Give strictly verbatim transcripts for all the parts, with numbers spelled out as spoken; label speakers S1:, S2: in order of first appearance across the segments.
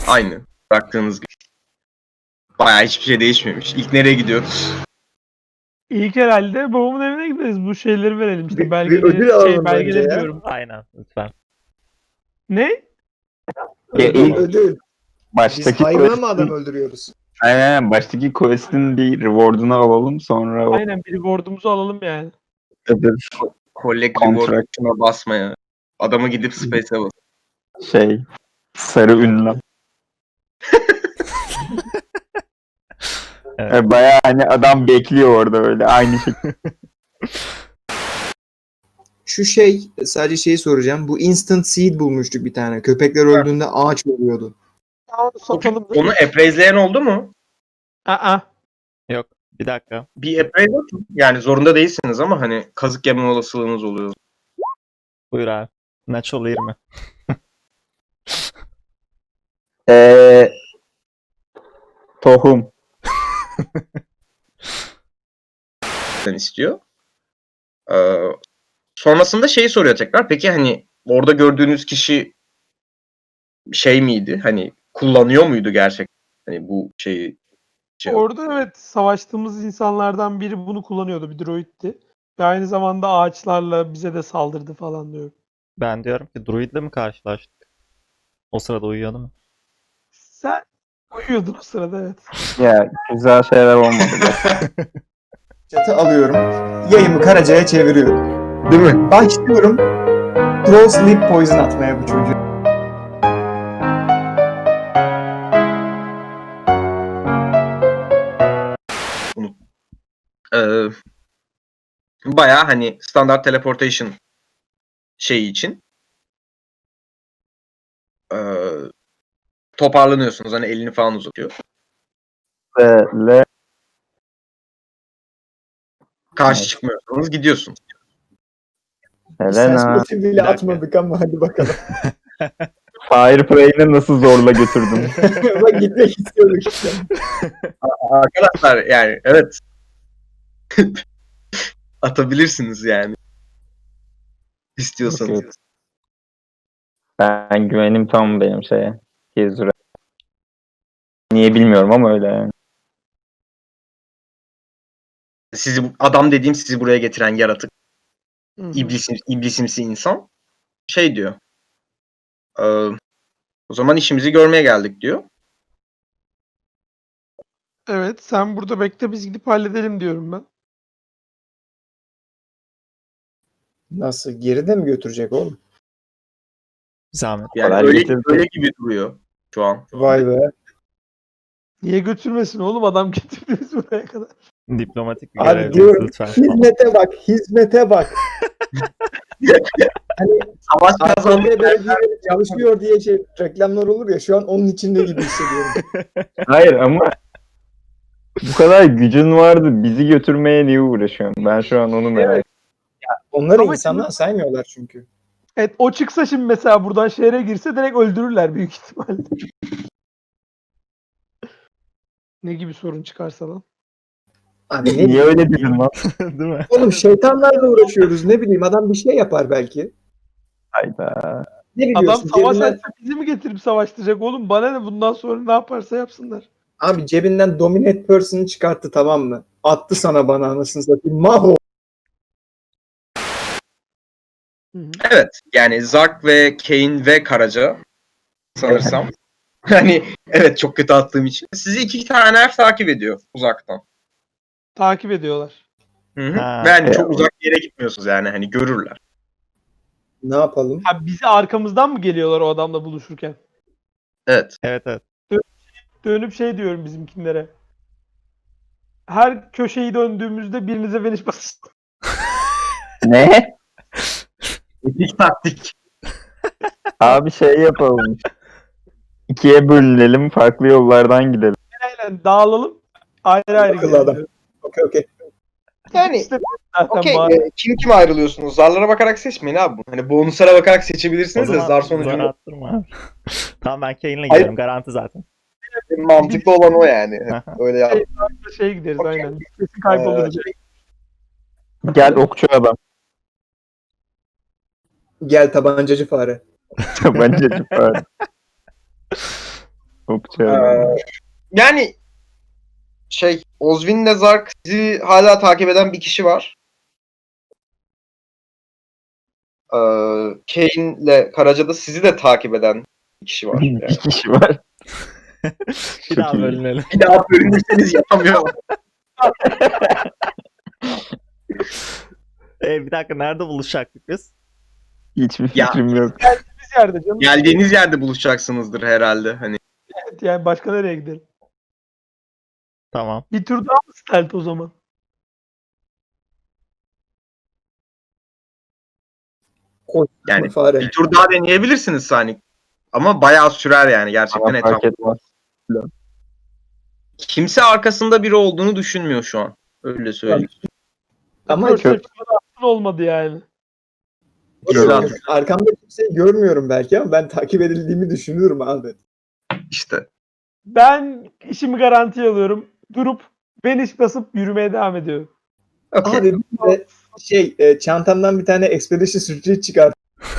S1: Aynı. Bıraktığınız gibi. Bayağı hiçbir şey değişmemiş. İlk nereye gidiyoruz?
S2: İlk herhalde babamın evine gideriz. Bu şeyleri verelim işte
S3: Bir- bir
S2: belgeleri.
S3: ödül alalım
S2: şey
S3: önce
S2: belgeleri
S3: ya.
S2: diyorum.
S4: Aynen lütfen.
S2: Ne?
S5: Ya
S3: Ödül,
S5: ilk
S3: ödül. Biz
S5: baştaki
S3: hayvan mı adam
S5: quest'in,
S3: öldürüyoruz?
S5: aynen, baştaki quest'in bir reward'unu alalım, sonra o
S2: Aynen bir reward'umuzu alalım yani.
S5: öbür
S1: Collect
S5: Contract.
S1: reward tuşuna basmaya. Adamı gidip space'e bas.
S5: şey sarı ünlem.
S4: Evet.
S5: Yani bayağı hani adam bekliyor orada öyle aynı şekilde.
S3: Şu şey, sadece şeyi soracağım. Bu instant seed bulmuştuk bir tane. Köpekler öldüğünde ağaç oluyordu.
S2: Onu satalım da.
S1: Onu appraise'leyen oldu mu?
S2: Aa,
S4: Yok. Bir dakika.
S1: Bir appraise atın. Yani zorunda değilsiniz ama hani kazık yeme olasılığınız oluyor.
S4: Buyur abi. Natural yirmi.
S5: Eee tohum.
S1: istiyor. Ee, sonrasında şeyi soruyor tekrar. Peki hani orada gördüğünüz kişi şey miydi? Hani kullanıyor muydu gerçekten? Hani bu şeyi şey
S2: orada evet savaştığımız insanlardan biri bunu kullanıyordu. Bir droid'ti. Ve aynı zamanda ağaçlarla bize de saldırdı falan diyor.
S4: Ben diyorum ki druidle mi karşılaştık? O sırada uyuyordu mu?
S2: Sen uyuyordun o sırada evet.
S5: Ya güzel şeyler olmadı.
S3: Çatı alıyorum. Yayımı Karaca'ya çeviriyorum.
S1: değil mi?
S3: Başlıyorum. Throw sleep poison atmaya bu çocuğa.
S1: Ee, bayağı hani standart teleportation şeyi için ee, toparlanıyorsunuz. Hani elini falan uzatıyor.
S5: Böyle
S1: Karşı
S5: Evet.
S1: çıkmıyorsunuz. Gidiyorsun.
S3: Ses
S5: Helena
S3: motivi bile
S4: Bir dakika.
S3: atmadık ama hadi bakalım.
S5: Fire Prey'ini nasıl zorla götürdün?
S3: Bak gitmek istiyorduk işte.
S1: Arkadaşlar yani evet. Atabilirsiniz yani. İstiyorsanız.
S5: Yok. Ben güvenim tam benim şeye. Gezure. Niye bilmiyorum ama öyle yani.
S1: Sizi adam dediğim sizi buraya getiren yaratık.
S2: Hı hı.
S1: İblisim, iblisimsi insan şey diyor. Ee, o zaman işimizi görmeye geldik diyor.
S2: Evet sen burada bekle biz gidip halledelim diyorum ben.
S3: Nasıl? Geride mi götürecek oğlum?
S4: Zahmet.
S1: Yani
S5: Kolay
S1: öyle,
S5: getirdi.
S1: öyle gibi duruyor şu an.
S3: Vay be.
S2: Niye götürmesin oğlum adam getirdi bizi buraya kadar.
S4: Diplomatik bir
S3: Abi
S4: görevdeyiz
S3: diyorum,
S4: lütfen.
S3: hizmete bak, hizmete bak. Hani
S1: Savaş
S3: A K
S1: kazandık.
S3: P belediye çalışıyor diye şey reklamlar olur ya, şu an onun içinde gibi hissediyorum.
S5: Hayır ama bu kadar gücün vardı. Bizi götürmeye niye uğraşıyorsun? Ben şu an onu merak ediyorum.
S3: Onları
S2: Ama
S3: insandan saymıyorlar çünkü.
S2: Evet o çıksa şimdi mesela buradan şehre girse direkt öldürürler büyük ihtimalle. Ne gibi sorun çıkarsa lan.
S3: Abi ne
S5: Niye
S3: bileyim.
S5: öyle dedin lan?
S4: Değil mi?
S3: Oğlum şeytanlarla uğraşıyoruz, ne bileyim, adam bir şey yapar belki.
S5: Hayda.
S3: Ne
S2: Adam
S3: biliyorsun
S2: savaş
S3: cebinden,
S2: açsa bizi mi getirip savaştıracak oğlum? Bana ne bundan sonra ne yaparsa yapsınlar.
S3: abi cebinden dominate person'ı çıkarttı, tamam mı? Attı sana, bana anasını satayım. Maho.
S2: Hı hı.
S1: Evet. Yani Zark ve Kane ve Karaca sanırsam. Hani evet çok kötü attığım için. Sizi iki tane elf takip ediyor uzaktan.
S2: Takip ediyorlar.
S1: Hı hı.
S4: Ha.
S1: Ve hani çok uzak bir yere gitmiyorsunuz yani hani görürler.
S3: Ne yapalım?
S2: Ha bizi arkamızdan mı geliyorlar o adamla buluşurken?
S1: Evet.
S4: Evet evet.
S2: Dönüp şey diyorum bizimkinlere. Her köşeyi döndüğümüzde birinize Veniş basın.
S5: Ne?
S1: Epik taktik.
S5: Abi şey yapalım. İkiye bölünelim. Farklı yollardan gidelim.
S2: Aynen dağılalım. Ayrı ayrı
S3: Akıllı
S2: gidelim
S3: adam.
S2: diyorum.
S3: Okey okey.
S1: Yani
S2: İşte zaten
S1: okey
S2: bari.
S1: e, kim kime ayrılıyorsunuz? Zarlara bakarak seçmeyin abi. Hani bonuslara bakarak
S4: O
S1: seçebilirsiniz de
S4: zaman
S1: zar
S4: zar
S1: sonucunu
S4: attırma abi. Tamam ben Kane'le
S1: Hayır.
S4: gidiyorum. Garanti zaten.
S1: mantıklı olan o yani. Öyle yap.
S2: Şey gideriz
S1: Okey.
S2: aynen. Kesin kayboluruz.
S5: Gel okçu adam.
S3: Gel tabancacı fare.
S5: Tabancacı falan. Çok çağırıyor.
S1: Ee, yani şey Ozvin'le Zark sizi hala takip eden bir kişi var. Ee, Kane'le Karaca'da sizi de takip eden bir kişi var. Yani.
S5: Bir kişi var.
S4: Bir
S5: Çok
S4: daha
S5: iyi.
S4: bölünelim.
S1: Bir daha bölünürseniz yapamıyorlar.
S4: E, bir dakika nerede buluşacaktık biz?
S5: Hiçbir
S1: Ya.
S5: fikrim yok.
S2: Biz yerde canım.
S1: Geldiğiniz yerde buluşacaksınızdır herhalde. Hani
S2: Evet, yani başka nereye gidelim?
S4: Tamam.
S2: Bir tur daha mı stealth o zaman?
S3: Koş,
S1: yani
S3: fare.
S1: bir tur daha deneyebilirsiniz Sanic. Ama bayağı sürer yani gerçekten
S5: Bana fark
S1: etraf.
S5: etmez.
S1: Kimse arkasında biri olduğunu düşünmüyor şu an. Öyle söyleyeyim.
S3: Ama
S2: Perception'da aslında olmadı yani.
S1: Güzel.
S3: Arkamda kimseyi görmüyorum belki ama ben takip edildiğimi düşünüyorum abi.
S1: İşte.
S2: Ben işimi garantiye alıyorum. Durup beniş basıp yürümeye devam ediyorum.
S1: Okay.
S3: Abi bir de şey e, çantamdan bir tane Expedition Street çıkar.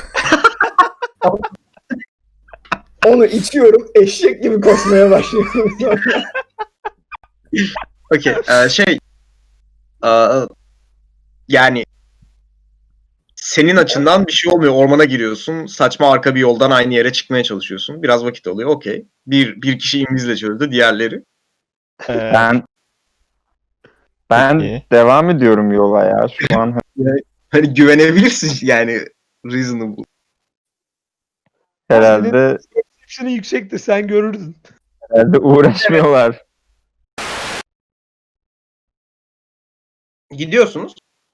S3: Onu içiyorum, eşek gibi koşmaya başlıyorum. Sonra.
S1: Okey. Ee, şey ee, yani senin açından bir şey olmuyor. Ormana giriyorsun. Saçma arka bir yoldan aynı yere çıkmaya çalışıyorsun. Biraz vakit alıyor. Okey. Bir, bir kişi İngilizce çözdü. Diğerleri.
S4: Ee,
S5: Ben ben
S4: Peki.
S5: devam ediyorum yola ya şu an.
S1: Hani güvenebilirsin yani. Reasonable.
S5: Herhalde
S2: Perception'ı yüksektir, sen görürdün.
S5: herhalde uğraşmıyorlar.
S1: Gidiyorsunuz.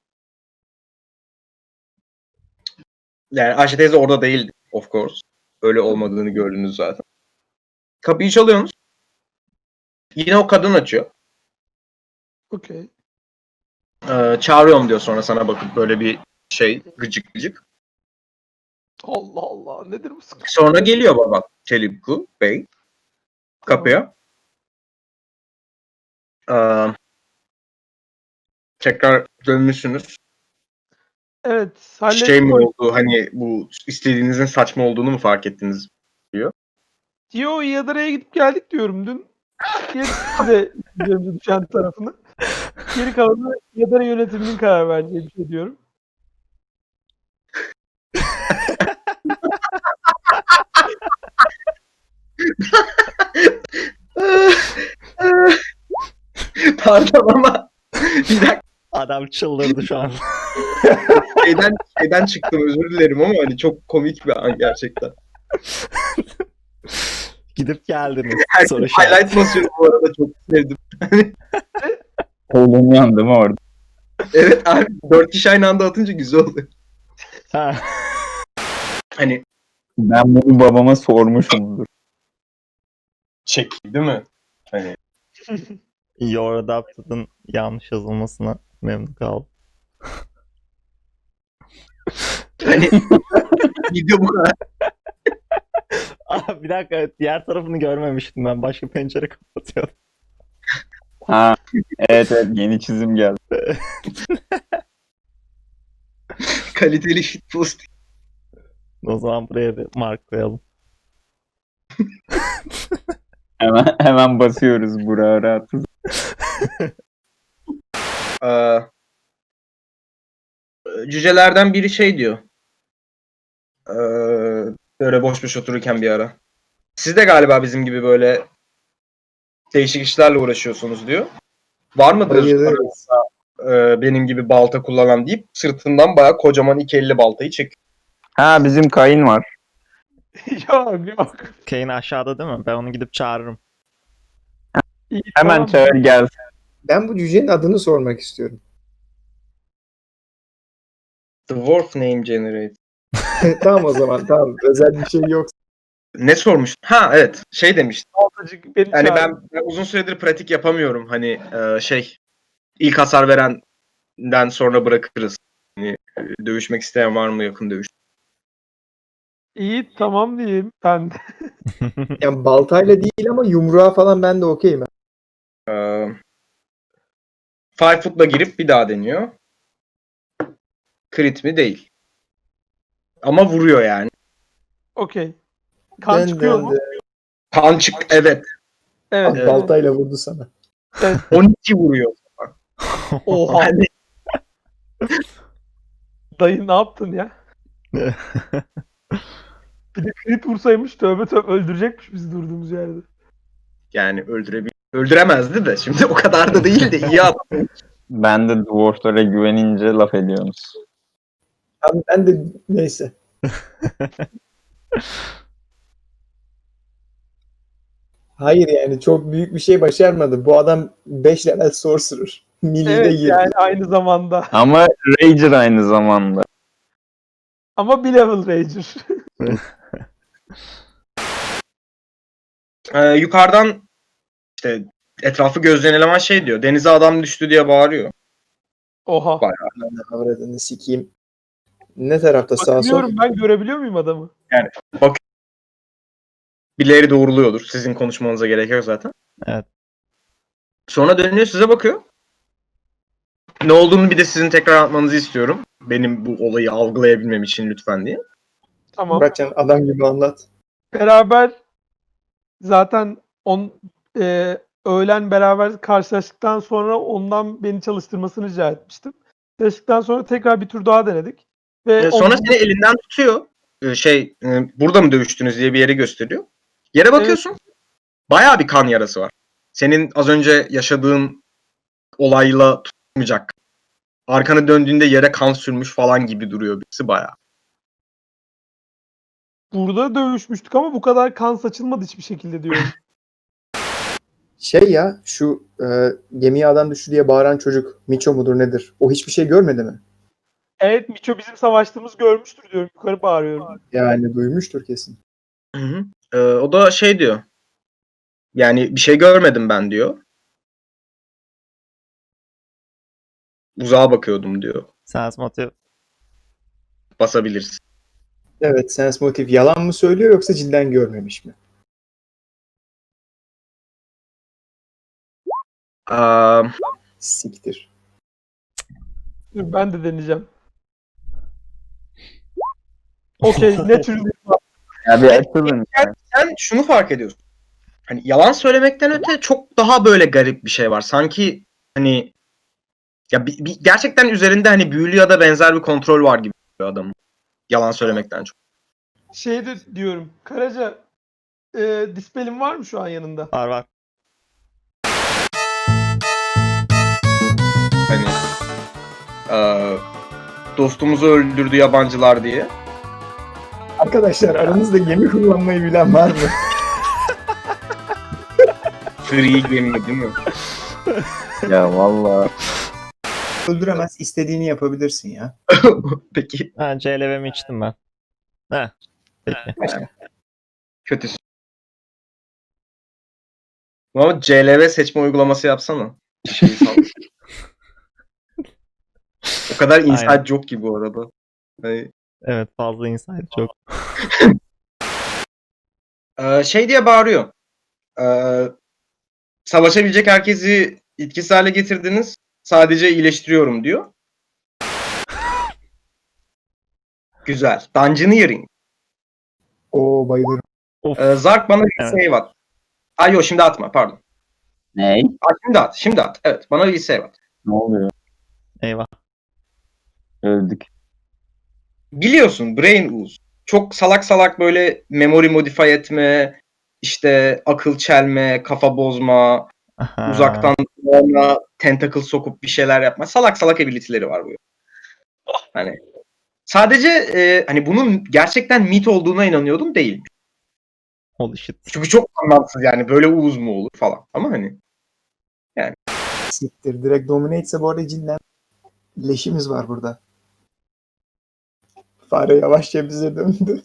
S1: Yani Ayşe teyze orada değildi. Of course. Öyle olmadığını gördünüz zaten. Kapıyı çalıyorsunuz. Yine o kadın açıyor.
S2: Okey.
S1: Ee, çağırıyorum diyor sonra sana bakıp böyle bir şey gıcık gıcık.
S2: Allah Allah, nedir bu sıkıntı?
S1: Sonra geliyor baba Telipku Bey kapıya. Ee, tekrar dönmüşsünüz.
S2: Evet, hallettim.
S1: Şey mi
S2: o-
S1: oldu hani bu istediğinizin saçma olduğunu mu fark ettiniz?
S2: Yo, Yadara'ya gidip geldik diyorum dün. Gerisi de üzerimize düşen tarafını. Geri kalanı Yadara yönetiminin karar vereceği bir şey diyorum.
S1: Pardon ama bir dakika
S4: Adam çıldırdı şu an.
S1: şeyden, şeyden çıktım özür dilerim ama hani çok komik bir an gerçekten.
S4: Gidip geldiniz.
S1: Herkes
S4: Soru işareti.
S1: highlight basıyor bu arada çok sevdim.
S5: Kolum yandı mı orada?
S1: Evet abi dört kişi aynı anda atınca güzel oluyor.
S4: Ha.
S1: Hani
S5: Ben bunu babama sormuşumdur.
S1: çek değil mi? Hani
S4: Your Adapted'ın yanlış yazılmasına memnun kaldım.
S1: hani video bu kadar.
S4: Aa, bir dakika diğer tarafını görmemiştim ben. Başka pencere kapatıyordum.
S5: Ha, evet evet yeni çizim geldi.
S1: Kaliteli shitpost.
S4: O zaman buraya bir mark koyalım.
S5: Hemen hemen basıyoruz buraya rahatız.
S1: Ee, cücelerden biri şey diyor. Ee, böyle boş boş otururken bir ara. Siz de galiba bizim gibi böyle değişik işlerle uğraşıyorsunuz diyor. Var mıdır
S3: Bayılırız.
S1: e, benim gibi balta kullanan deyip sırtından bayağı kocaman iki elli baltayı çekiyor.
S5: Ha bizim kayın var.
S2: yok yok.
S4: Kane aşağıda değil mi? Ben onu gidip çağırırım.
S2: İyi,
S5: Hemen
S2: tamam.
S5: çağır gelsin.
S3: Ben bu cücenin adını sormak istiyorum.
S1: Dwarf name generate.
S3: Tamam o zaman tamam. Özel bir şey yok.
S1: Ne sormuş? Ha evet şey demiş.
S2: Baltacık beni
S1: Hani
S2: çağır.
S1: ben, ben uzun süredir pratik yapamıyorum. Hani e, şey ilk hasar verenden sonra bırakırız. Hani, e, dövüşmek isteyen var mı yakın dövüş?
S2: İyi, tamam diyeyim ben de.
S3: Yani baltayla değil ama yumruğa falan ben de okeyim.
S1: Ee, Five foot'la girip bir daha deniyor. Crit mi? Değil. Ama vuruyor yani.
S2: Okey. Kan
S3: Dön,
S2: çıkıyor
S3: dön,
S2: mu?
S3: dön.
S1: Kan çık evet.
S2: Evet.
S3: Ah,
S2: evet.
S3: baltayla vurdu sana.
S1: on iki vuruyor.
S2: Oha.
S1: Yani
S2: Dayı ne yaptın ya? Bir de crit vursaymış tövbe tövbe öldürecekmiş bizi durduğumuz yerde.
S1: yani öldürebil öldüremezdi de şimdi o kadar da değil de iyi attı.
S5: Ben de dwarflara güvenince laf ediyorsunuz.
S3: Abi ben de neyse. Hayır yani çok büyük bir şey başarmadı. Bu adam beş level sorcerer. Milli'de
S2: Evet
S3: girdi.
S2: yani aynı zamanda.
S5: Ama Rager aynı zamanda.
S2: Ama bir level rager.
S1: Ee, yukarıdan işte etrafı gözleyen eleman şey diyor. Denize adam düştü diye bağırıyor.
S2: Oha.
S1: Bak.
S3: Avradını sikeyim. Ne tarafta sağ sol?
S2: Bakıyorum ben görebiliyor muyum adamı?
S1: Birileri doğruluyordur. Sizin konuşmanıza gerek yok zaten.
S4: Evet.
S1: Sonra dönüyor size bakıyor. Ne olduğunu bir de sizin tekrar anlatmanızı istiyorum. Benim bu olayı algılayabilmem için lütfen diye.
S2: Tamam.
S3: Muratcan adam gibi anlat.
S2: Beraber zaten on e, öğlen beraber karşılaştıktan sonra ondan beni çalıştırmasını rica etmiştim. Çalıştıktan sonra tekrar bir tur daha denedik. Ve
S1: Ee, sonra
S2: on-
S1: seni elinden tutuyor. Ee, şey e, burada mı dövüştünüz diye bir yere gösteriyor. Yere bakıyorsun. Bayağı bir kan yarası var. Senin az önce yaşadığın olayla tutmayacak. Arkanı döndüğünde yere kan sürmüş falan gibi duruyor birisi bayağı.
S2: burada dövüşmüştük ama bu kadar kan saçılmadı hiçbir şekilde diyorum.
S3: Şey ya şu e, gemiye adam düştü diye bağıran çocuk Miço mudur nedir? O hiçbir şey görmedi mi?
S2: Evet Miço bizim savaştığımız görmüştür diyorum. Yukarı bağırıyorum.
S3: Yani duymuştur kesin.
S1: Hı hı. Ee, o da şey diyor. Yani bir şey görmedim ben diyor. Uzağa bakıyordum diyor.
S4: Sense motive.
S1: Basabiliriz.
S3: Evet sense motive yalan mı söylüyor yoksa cidden görmemiş mi?
S1: Aa,
S3: Siktir.
S2: Dur ben de deneyeceğim. Okey. Natural
S5: Ya bir açılın. ya.
S1: sen şunu fark ediyorsun. Hani yalan söylemekten öte çok daha böyle garip bir şey var. Sanki hani ya bir, bir- gerçekten üzerinde hani büyülü ya da benzer bir kontrol var gibi bir adam. Yalan söylemekten çok.
S2: şey de diyorum. Karaca e, dispelin var mı şu an yanında?
S4: Var var.
S1: Hani eee, dostumuzu öldürdü yabancılar diye.
S3: Arkadaşlar aranızda gemi kullanmayı bilen var mı?
S1: Free gemi değil mi?
S5: Ya valla.
S3: Öldüremez istediğini yapabilirsin ya.
S1: Peki
S4: Ha, C L V'mi içtim ben. Heh. Peki.
S1: kötüsü. Ama C L V seçme uygulaması yapsana. Şeyi sal. O kadar inside
S4: Aynen.
S1: joke ki bu arada. Hani,
S4: Evet fazla insight çok.
S1: eee, şey diye bağırıyor. Eee, savaşabilecek herkesi etkisiz hale getirdiniz. Sadece iyileştiriyorum diyor. Güzel. Dungeoneering.
S3: Oo bayılırım.
S4: Of.
S1: Ee, Zark bana bir
S4: Evet.
S1: save at. Ay yok şimdi atma pardon.
S5: Ne?
S1: Ay, şimdi at. Şimdi at. Evet bana bir save at.
S5: Ne oluyor?
S4: Eyvah.
S5: Öldük.
S1: Biliyorsun Brain Ooze. Çok salak salak böyle memory modify etme, işte akıl çelme, kafa bozma,
S4: Aha.
S1: uzaktan ona tentacle sokup bir şeyler yapma. Salak salak ability'leri var bu. Hani sadece e, hani bunun gerçekten mit olduğuna inanıyordum değil.
S4: Holy shit.
S1: Çünkü çok anlamsız yani böyle Ooze mu olur falan. Ama hani
S3: Siktir. Direkt dominate ise bu arada cidden leşimiz var burada. Fare yavaşça bize döndü.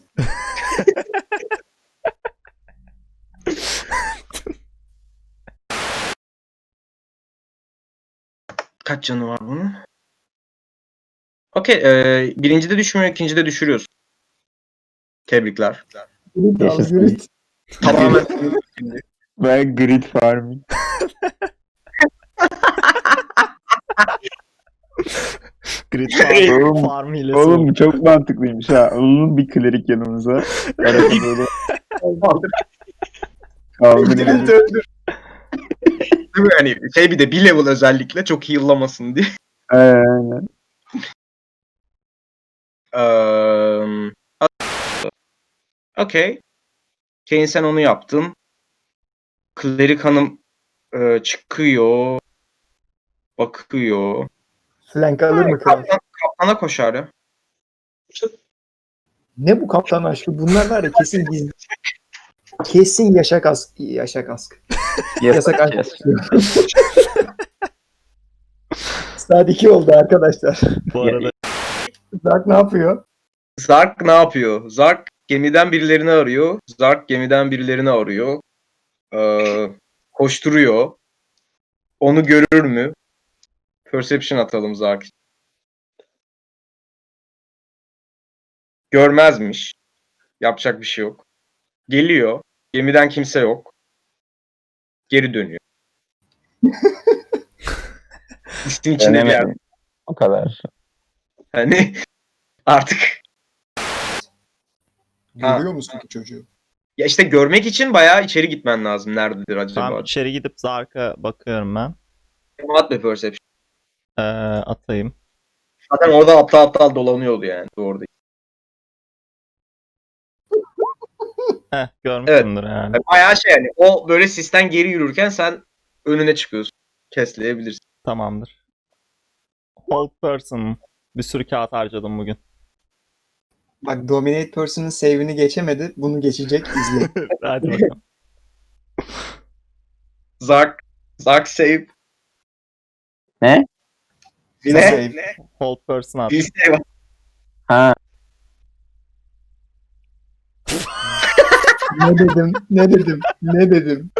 S1: kaç canı var bunun? Okey. E, birincide düşmüyor, ikincide düşürüyorsun. Tebrikler.
S3: Grit al
S5: Yaşasın.
S3: grit.
S1: Tamamen
S5: Ben grid farming.
S4: Grid farm,
S5: Oğlum,
S4: farm hilesi.
S5: Oğlum bu çok mantıklıymış ha. Alalım bir klerik yanımıza. Arada böyle Kaldırın.
S1: Değil mi? Hani şey bir de bir level özellikle çok heal'lamasın diye.
S5: Aynen.
S1: Eee Okey. Kane sen onu yaptın. Klerik Hanım e, çıkıyor. Bakıyor.
S3: Flank alır mı kral?
S1: Kaptan, kaptana koşar ya.
S3: Ne bu kaptan aşkı? Bunlar var ya kesin gizli. Kesin yaşak ask. Yaşak ask. Yasak aşk.
S5: Yes.
S3: Saat iki oldu arkadaşlar.
S4: Bu arada
S3: Zark ne yapıyor?
S1: Zark ne yapıyor? Zark gemiden birilerini arıyor. Zark gemiden birilerini arıyor. Ee, koşturuyor. Onu görür mü? Perception atalım Zark. Görmezmiş. Yapacak bir şey yok. Geliyor. Gemiden kimse yok. Geri dönüyor. Üstün içinde bir yer.
S5: Denemedim. O kadar.
S1: Hani artık
S3: Görüyor musun ki çocuğu?
S1: ya işte görmek için bayağı içeri gitmen lazım. Nerededir acaba?
S4: tam içeri gidip Zark'a bakıyorum ben.
S1: At be perception.
S4: Ee, atayım.
S1: Zaten orada aptal aptal dolanıyordu yani. Doğru değil.
S4: Heh, görmüşsündür yani.
S1: Yani bayağı şey yani o böyle sisten geri yürürken sen önüne çıkıyorsun. Kesleyebilirsin.
S4: Tamamdır. Hold person. Bir sürü kağıt harcadım bugün.
S3: Bak Dominate Person'ın save'ini geçemedi. Bunu geçecek izle.
S4: Hadi bakalım.
S1: Zark. Zark save.
S5: Ne?
S3: Bir
S1: Ne?
S3: save.
S4: Hold person at.
S1: Bir save.
S5: Ha.
S3: Ne dedim? Ne dedim? Ne dedim?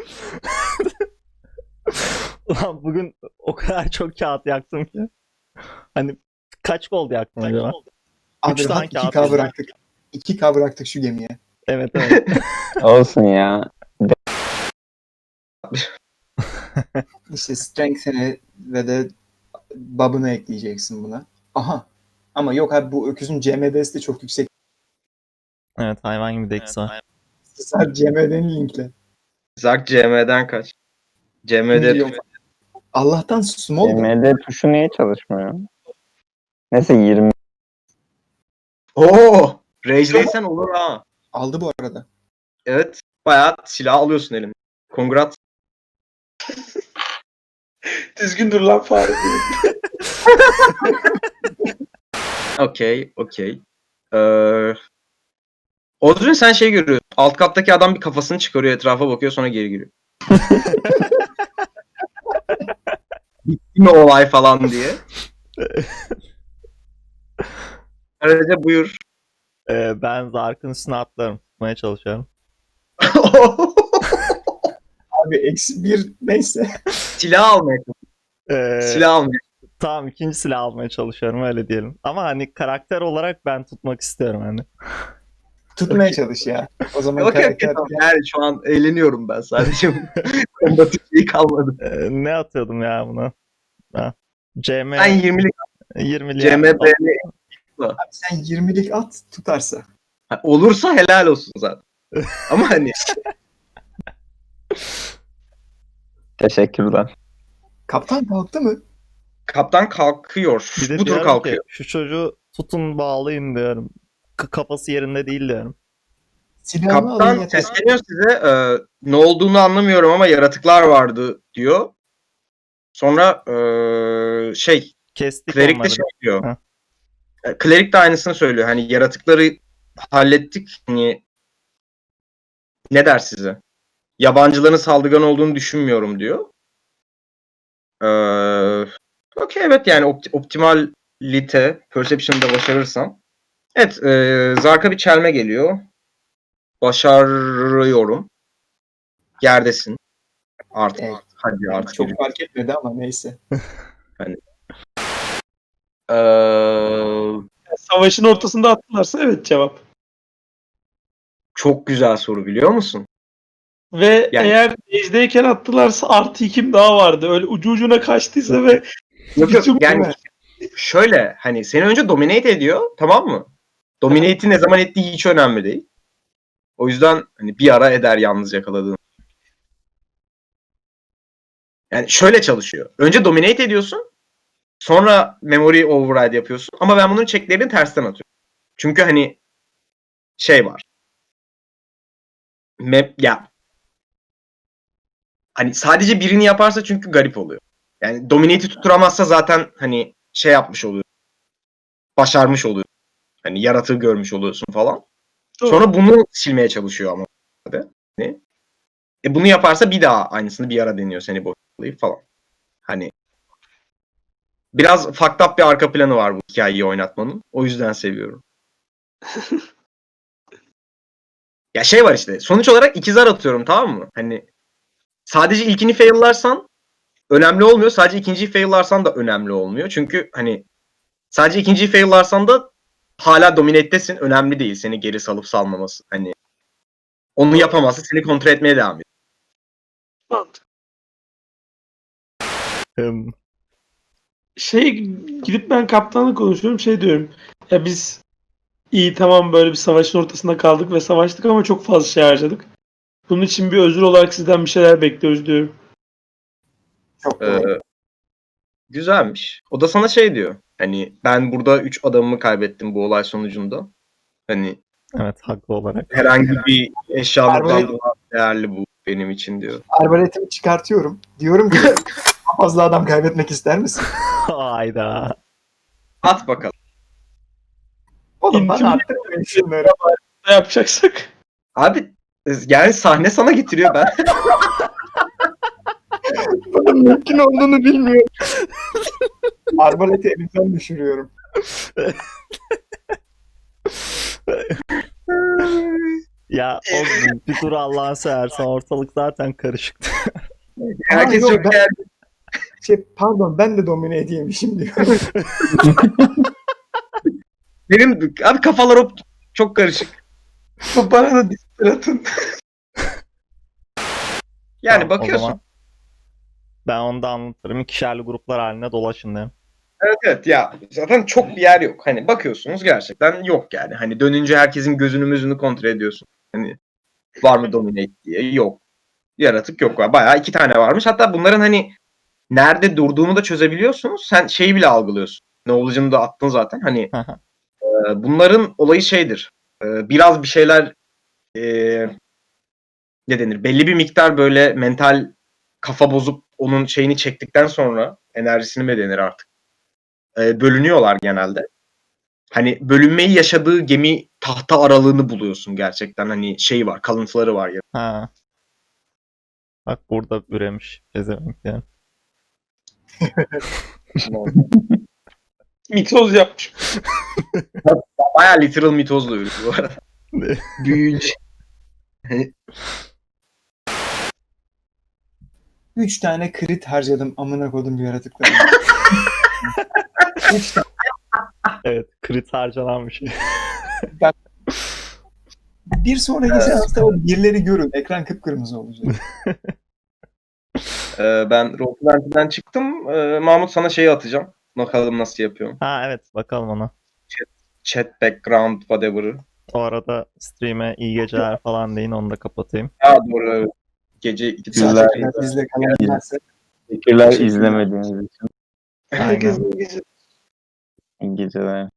S4: Ulan bugün o kadar çok kağıt yaktım ki. Hani kaç gol yaktım acaba?
S3: Abi
S4: Üç tane
S3: rahat iki
S4: kağıt
S3: K
S4: yazdım.
S3: bıraktık. iki K bıraktık şu gemiye.
S4: Evet evet.
S5: Olsun ya.
S3: İşte Strength'ini ve de Bob'ını ekleyeceksin buna. Aha. Ama yok abi bu öküzün C M D'si de çok yüksek.
S4: Evet hayvan gibi deksi var.
S3: Sadece C M D'ni linkle.
S1: Zark C M'den kaç? C M'de
S3: Milyon. Allah'tan small da.
S5: M D tuşu niye çalışmıyor? Neyse yirmi.
S1: Oo! Rage'deysen olur ha.
S3: Aldı bu arada.
S1: Evet. Bayağı silah alıyorsun eline. Kongrat. Düzgün dur lan fare. Okey, okey. Ee, Odrin sen şey görüyorsun. Alt kattaki adam bir kafasını çıkarıyor, etrafa bakıyor, sonra geri giriyor. Bitti mi olay falan diye. Ayrıca buyur.
S4: Ee, ben Zark'ın üstüne atlarım. Tutmaya çalışıyorum.
S3: Abi eksi bir neyse.
S1: Silah almaya çalışıyor.
S4: Ee,
S1: Silah almaya
S4: Tamam ikinci silah almaya çalışıyorum öyle diyelim. Ama hani karakter olarak ben tutmak istiyorum hani.
S3: Tutmaya çalış ya. O zaman
S1: Okey, okey,
S3: karakter...
S1: tamam. Yani şu an eğleniyorum ben sadece. Kombatif şey kalmadı.
S4: Ee, ne atıyordum ya buna? Ha. C M
S1: Sen yirmilik
S4: yirmi
S1: C M B
S3: Abi sen yirmilik at tutarsa.
S1: olursa helal olsun zaten. Ama hani
S5: Teşekkürler.
S3: Kaptan kalktı mı?
S1: kaptan kalkıyor.
S4: Bir de
S1: Bu tur
S4: diyorum
S1: kalkıyor.
S4: ki şu çocuğu tutun bağlayın diyorum. K- kafası yerinde değil diyorum.
S3: Silahını alın
S1: Kaptan
S3: yeter.
S1: sesleniyor size. e, ne olduğunu anlamıyorum ama yaratıklar vardı diyor. Sonra e, şey
S4: Kestik
S1: klerik de
S4: onları.
S1: şey diyor.
S4: Heh.
S1: E, Klerik de aynısını söylüyor. Hani yaratıkları hallettik. Hani ne der size? Yabancıların saldırgan olduğunu düşünmüyorum diyor. Ee, Okey evet yani opt- optimalite perception'da başarırsam. Evet e, Zark'a bir çelme geliyor. Başarıyorum. Yerdesin. Artık.
S3: Evet.
S1: Hadi artık.
S3: Çok fark etmedi ama neyse.
S1: Ee,
S2: Savaşın ortasında attılarsa evet cevap.
S1: Çok güzel soru biliyor musun?
S2: Ve
S1: Yani-
S2: eğer base'deyken attılarsa artı ikim daha vardı. Öyle ucu ucuna kaçtıysa ve
S1: Yok
S2: Bütün-
S1: yok yani şöyle hani seni önce dominate ediyor tamam mı? Dominate'i ne zaman ettiği hiç önemli değil. O yüzden hani bir ara eder yalnız yakaladığın. Yani şöyle çalışıyor. Önce dominate ediyorsun. Sonra memory override yapıyorsun. Ama ben bunun checklerini tersten atıyorum. Çünkü hani şey var. Map ya hani sadece birini yaparsa çünkü garip oluyor. Yani dominate'i tutturamazsa zaten hani şey yapmış oluyor. Başarmış oluyor. Hani yaratığı görmüş oluyorsun falan. Sonra bunu silmeye çalışıyor ama. Ne? E bunu yaparsa bir daha aynısını bir ara deniyor seni boşlayıp falan. Hani biraz fucked up bir arka planı var bu hikayeyi oynatmanın. O yüzden seviyorum. Ya şey var işte. Sonuç olarak iki zar atıyorum, tamam mı? Hani sadece ilkini fail'larsan önemli olmuyor. Sadece ikinciyi fail'larsan da önemli olmuyor. Çünkü hani sadece ikinciyi fail'larsan da hala dominate'desin. Önemli değil seni geri salıp salmaması. Hani onu yapamazsa seni kontrol etmeye devam ediyor.
S2: Mantıklı.
S4: Hım.
S2: Şey gidip ben kaptanla konuşuyorum, şey diyorum. Ya biz iyi tamam böyle bir savaşın ortasında kaldık ve savaştık ama çok fazla şey harcadık. Bunun için bir özür olarak sizden bir şeyler bekliyoruz diyorum.
S3: Çok
S1: Ee,
S3: doğru.
S1: güzelmiş. O da sana şey diyor. Hani ben burada üç adamımı kaybettim bu olay sonucunda. Hani
S4: Evet, haklı olarak.
S1: herhangi bir eşyalıktan
S3: Arbalet-
S1: daha değerli bu benim için diyor.
S3: Arbaletimi çıkartıyorum. Diyorum ki daha fazla adam kaybetmek ister misin?
S4: Hayda.
S1: At bakalım.
S3: Oğlum bana
S2: İntim-
S3: attırmayın şunları.
S2: Ne yapacaksak?
S1: Abi yani sahne sana getiriyor ben.
S3: Bunun mümkün olduğunu bilmiyorum. Arbaleti elimden düşürüyorum.
S4: Ya oğlum bir dur Allah'ını seversen, ortalık zaten karışıktı.
S1: Herkes
S3: yok,
S1: çok
S3: ben-
S1: değerli.
S3: Şey, pardon ben de domine edeymişim diyorum.
S1: Benim abi kafalar hop çok karışık.
S2: Bana da disper atın.
S1: Yani
S4: Tamam, o
S1: bakıyorsun.
S4: zaman ben onu da anlatırım. İkişerli gruplar halinde dolaşın derim.
S1: Evet evet ya zaten çok bir yer yok. Hani bakıyorsunuz gerçekten yok yani. Hani dönünce herkesin gözünü müzünü kontrol ediyorsun. Hani var mı dominate diye. Yok. Yaratık yok. Bayağı iki tane varmış. Hatta bunların hani nerede durduğunu da çözebiliyorsunuz. Sen şeyi bile algılıyorsun. Ne olacağını da attın zaten. Hani e, bunların olayı şeydir. E, biraz bir şeyler e, ne denir? Belli bir miktar böyle mental kafa bozup onun şeyini çektikten sonra enerjisini mi denir artık? E, bölünüyorlar genelde. Hani bölünmeyi yaşadığı gemi tahta aralığını buluyorsun gerçekten. Hani şey var, kalıntıları var ya.
S4: Ha. Bak burada üremiş. Gezemek yani.
S2: Mitoz yapmış.
S1: Bayağı literal mitozla yürüyor bu arada. Büyüyünce.
S3: Üç tane crit harcadım amına kodum bir yaratıklara. Üç tane.
S4: Evet, crit harcanan bir şey.
S3: Bir sonraki seansta o birleri görün. Ekran kıpkırmızı olacak.
S1: Ee, ben Rollplan'den çıktım. Ee, Mahmut sana şeyi atacağım. Bakalım nasıl yapıyorum.
S4: Ha evet, bakalım ona.
S1: Chat background whatever'ı.
S4: O arada stream'e iyi geceler falan deyin, onu da kapatayım.
S1: Aa doğru evet. Gece iki
S5: Güzel.
S1: saat.
S3: Zaten bizle kalan varsa
S5: Teşekkürler
S1: Teşekkürler.
S5: izlemediğiniz için.
S2: Herkesin gece
S5: İyi geceler.